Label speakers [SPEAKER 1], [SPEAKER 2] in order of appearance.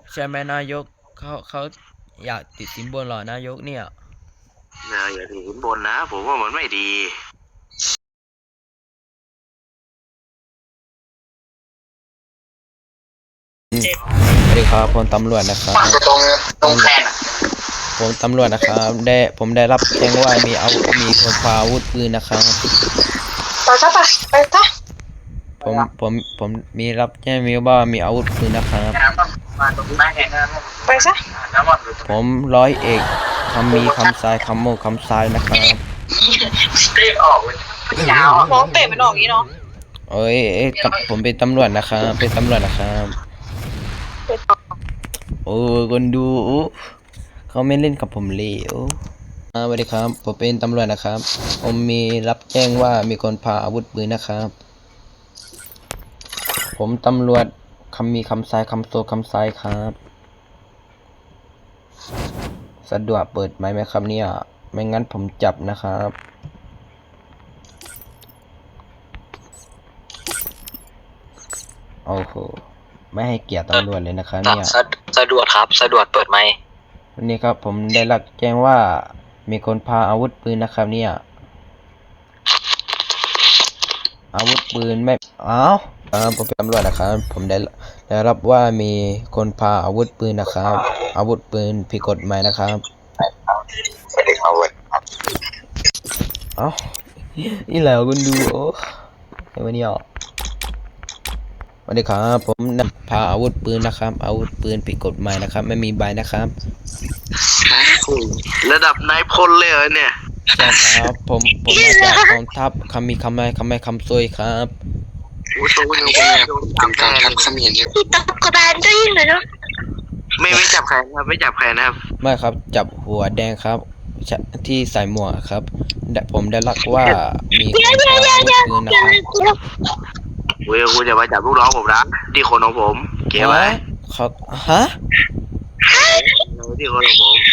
[SPEAKER 1] ใช่ไหมนายกเขาอยากติดสินบนเหรอนายกเนี่ย
[SPEAKER 2] อย่าถือสินบนนะผมว่ามันไม่ดี
[SPEAKER 1] สวัสดีครับผมตำรวจนะครับ
[SPEAKER 2] ตรงแทน
[SPEAKER 1] ผมตำรวจนะครับผมได้รับแจ้งว่ามีคนพาอาวุธปืนนะครับ
[SPEAKER 3] ไปซะไปซะ
[SPEAKER 1] ผมมีรับแจ้งว่ามีอาวุธปืนนะครับ
[SPEAKER 3] ไปซะ
[SPEAKER 1] ผมร้อยเอกคำมีคำทรายคำโมคำทรายนะครับ
[SPEAKER 2] เตะออกเลยยาว
[SPEAKER 3] น้องเตะมันออกอย่างนี้เนาะ
[SPEAKER 1] เอ้ยกับผมเป็นตำรวจนะครับเป็นตำรวจนะครับโอ้คนดูเขาไม่เล่นกับผมเลยสวัสดีครับผมเป็นตำรวจนะครับผมมีรับแจ้งว่ามีคนพาอาวุธปืนนะครับผมตำรวจมีคำทรายคำโซคำทรายครับสะดวกเปิดไหมครับเนี่ยไม่งั้นผมจับนะครับโอ้โหไม่ให้เกียรติตำรวจเลยนะครับเนี่ย
[SPEAKER 2] สะดวกครับสะดวกเปิดไหม
[SPEAKER 1] วันนี้ครับผมได้รับแจ้งว่ามีคนพาอาวุธปืนนะครับเนี่ยอาวุธปืนไม่ผมเป็นตำรวจนะครับผมได้รับว่ามีคนพาอาวุธปืนนะครับอาวุธปืนผิดกฎหมายนะครับ
[SPEAKER 2] สวัสดีครับ
[SPEAKER 1] นี่แหละคุณดูไอ้วันนี้สวัสดีครับผมพาอาวุธปืนนะครับอาวุธปืนผิดกฎหมายนะครับไม่มีใบนะครับ
[SPEAKER 2] ระดับนายพลเลยเหรอเนี่ย
[SPEAKER 1] ใช่ครับผมมาจากกองทัพคำซวยครับ
[SPEAKER 2] โอ้โหเป็นการทับเขมิ้นเนี่ย
[SPEAKER 3] พี่ตบกระบาลได้ยินเลยเนาะ
[SPEAKER 2] ไม่จับใครครับไม่จับใครนะครับ
[SPEAKER 1] ไม่ครับจับหัวแดงครับที่ใส่หมวกครับผมได้รับว่ามีคนพาอาวุธปืนนะครับ
[SPEAKER 2] คุณจะมาจับลูกน้องผมนะที่คนของผมเกี่ยวไหม
[SPEAKER 1] ครับฮะ
[SPEAKER 2] ที่คนของผม